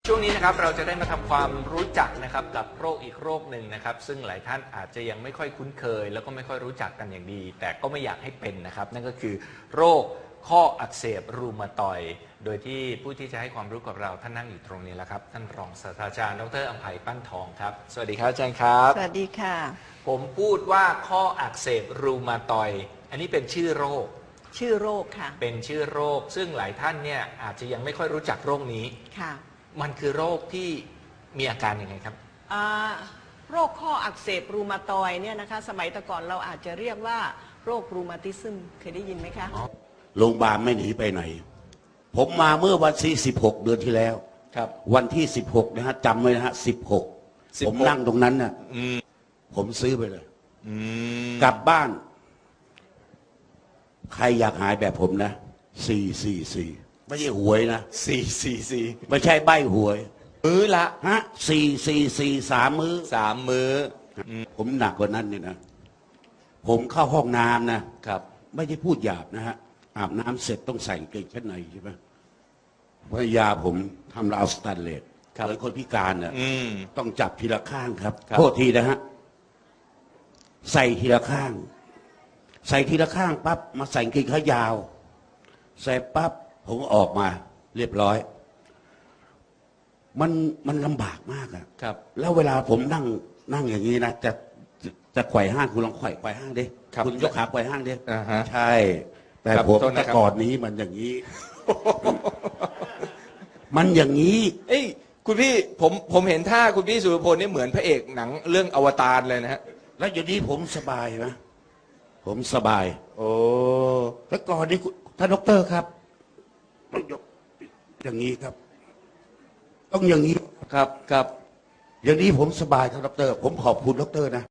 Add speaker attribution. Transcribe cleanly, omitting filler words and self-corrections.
Speaker 1: ช่วงนี้นะครับเราจะได้มาทำความรู้จักนะครับกับโรคอีกโรคหนึ่งนะครับซึ่งหลายท่านอาจจะยังไม่ค่อยคุ้นเคยแล้วก็ไม่ค่อยรู้จักกันอย่างดีแต่ก็ไม่อยากให้เป็นนะครับนั่นก็คือโรคข้ออักเสบรูมาตอยด์โดยที่ผู้ที่จะให้ความรู้กับเราท่านนั่งอยู่ตรงนี้แล้วครับท่านรองศาสตราจารย์ดร.อำไพปั้นทองครับสวัสดีครับอาจารย์ครับ
Speaker 2: สวัสดีค่ะ
Speaker 1: ผมพูดว่าข้ออักเสบรูมาตอยด์อันนี้เป็นชื่อโรค
Speaker 2: ค่ะ
Speaker 1: เป็นชื่อโรคซึ่งหลายท่านเนี่ยอาจจะยังไม่ค่อยรู้จักโรคนี้
Speaker 2: ค่ะ
Speaker 1: มันคือโรคที่มีอาการยังไงครับ
Speaker 2: โรคข้ออักเสบรูมาตอยด์เนี่ยนะคะสมัยแต่ก่อนเราอาจจะเรียกว่าโรครูมาติซึมเคยได้ยินไหมคะ
Speaker 3: โรงพยาบาลไม่หนีไปไหนผมมาเมื่อวันที่16เดือนที่แล้ว
Speaker 1: ครับ
Speaker 3: วันที่16นะฮะจำไว้นะฮะ16ผมนั่งตรงนั้นน่ะผมซื้อไปเลยกลับบ้านใครอยากหายแบบผมนะ444ไม่ใช่หวยนะ
Speaker 1: 444
Speaker 3: ไม่ใช่ใบหวย
Speaker 1: มื้อละ
Speaker 3: ฮะ444 3 มื้อ
Speaker 1: 3 มื้อ
Speaker 3: ผมหนักกว่านั้นเนี่ยนะผมเข้าห้องน้ำนะครับไม่ได้พูดหยาบนะฮะอาบน้ำเสร็จต้องใส่กางเกงชั้นในใช่ไหมภรรยาผมทำราวสแตนเลสเหมือนคนพิการน่ะต้องจับทีละข้างครับโทษทีนะฮะใส่ทีละข้างปั๊บมาใส่กางเกงขายาวใส่ปั๊บผมออกมาเรียบร้อยมันลำบากมากอะ
Speaker 1: ครับ
Speaker 3: แล้วเวลาผมนั่งอย่างนี้นะจะไขว่ห้างคุณลองไขว่ห้างดิคุณยกขาไขว่ห้างดิใช่แต่ผมแต่ก่อนนี้มันอย่างนี้ มันอย่างนี้
Speaker 1: เอ้ยคุณพี่ผมเห็นท่าคุณพี่สุรพลนี่เหมือนพระเอกหนังเรื่องอวตารเลยนะฮะ
Speaker 3: แล้วอย่างนี้ผมสบายนะผมสบาย
Speaker 1: โอ้
Speaker 3: แล้วก่อนนี้ท่านดร.ครับต้องยกอย่างนี้ครับต้องอย่างนี้
Speaker 1: ครับ
Speaker 3: อย่างนี้ผมสบายครับดร.ผมขอบคุณดร.นะ